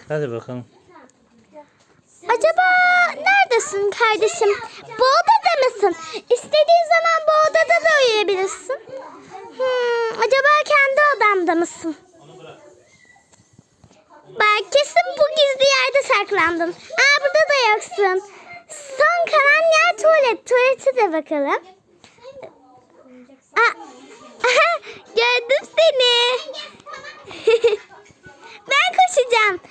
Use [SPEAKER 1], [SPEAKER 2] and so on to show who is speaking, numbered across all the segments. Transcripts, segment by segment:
[SPEAKER 1] Hadi bakalım.
[SPEAKER 2] Acaba neredesin kardeşim? Bu odada mısın? İstediğin zaman bu odada da uyuyabilirsin. Acaba kendi odamda mısın? Bak kesin bu gizli yerde saklandın. Burada da yoksun. Son kalan yer tuvalet. Tuvalete de bakalım. Gördüm seni. Ben koşacağım.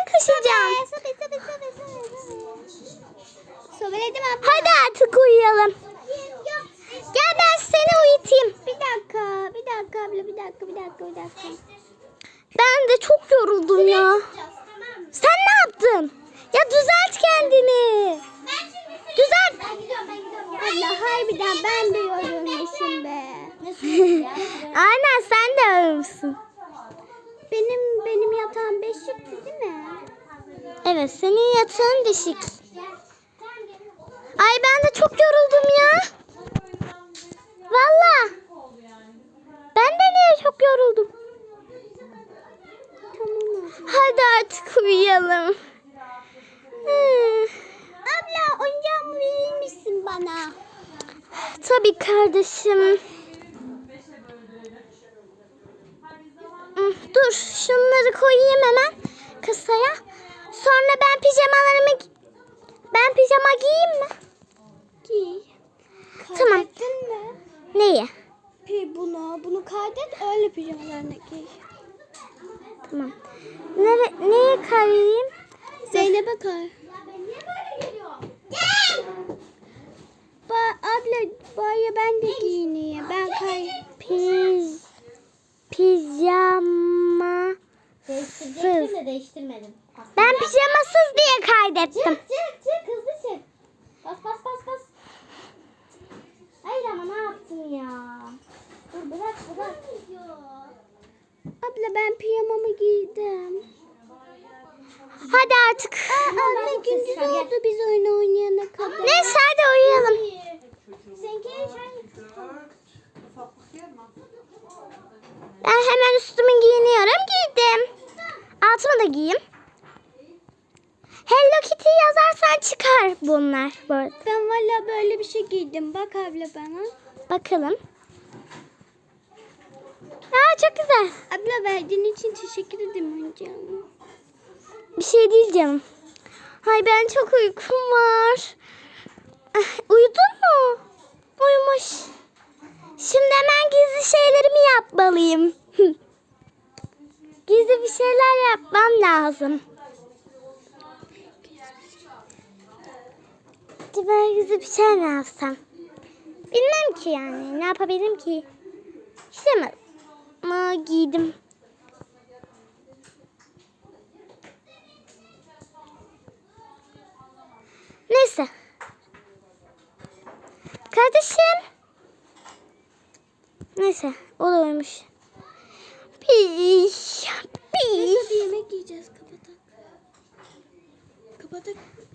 [SPEAKER 2] Hadi artık uyuyalım. Gel ben seni uyutayım. Bir dakika abla, bir dakika. Ben de çok yoruldum ya. Sen ne yaptın? Ya düzelt kendini. Düzelt.
[SPEAKER 3] Allah harbiden ben de yorulmuşum be.
[SPEAKER 2] Aynen sen de yorulmuşsun.
[SPEAKER 3] Benim yatağım beşikti değil mi?
[SPEAKER 2] Evet senin yatağın düşük. Ay ben de çok yoruldum ya. Valla. Ben de niye çok yoruldum?
[SPEAKER 3] Tamam.
[SPEAKER 2] Hadi artık uyuyalım.
[SPEAKER 3] Abla oyuncağımı verir misin bana?
[SPEAKER 2] Tabii kardeşim. Dur şunları koyayım hemen kasaya. Sonra ben pijama giyeyim mi?
[SPEAKER 3] Giy.
[SPEAKER 2] Tamam.
[SPEAKER 3] Kaydettin mi?
[SPEAKER 2] Neyi?
[SPEAKER 3] Bunu kaydet öyle pijamalarına giy.
[SPEAKER 2] Tamam. Neye koyayım?
[SPEAKER 3] Zeynep'e koy. Abla bari ben de giyineyim. Ben
[SPEAKER 2] Pijama.
[SPEAKER 3] Değiştirecektim de değiştirmedim.
[SPEAKER 2] Ben pijamasız diye kaydettim.
[SPEAKER 3] Çık hızlı çık. Bas. Hayır ama ne yaptın ya? Dur bırak. Abla ben pijamamı giydim.
[SPEAKER 2] Hadi artık.
[SPEAKER 3] Abla gündüz oldu biz oyun oynayana kadar.
[SPEAKER 2] Neyse hadi uyuyalım. Ben hemen üstümü giyiniyorum. Giydim. Altımı da giyeyim. Hello Kitty yazarsan çıkar bunlar bu arada.
[SPEAKER 3] Ben valla böyle bir şey giydim. Bak abla bana.
[SPEAKER 2] Bakalım. Çok güzel.
[SPEAKER 3] Abla verdiğin için teşekkür ederim oyuncağım.
[SPEAKER 2] Bir şey değil canım. Ay ben çok uykum var. Uyudun mu? Uyumuş. Şimdi hemen gizli şeylerimi yapmalıyım. Gizli bir şeyler yapmam lazım. Hadi ben gizli bir şey mi yapsam? Bilmem ki yani. Ne yapabilirim ki? İşte mi giydim. Neyse. Kardeşim. Neyse. O da uyumuş.
[SPEAKER 3] Neyse bir yemek yiyeceğiz. Kapatak.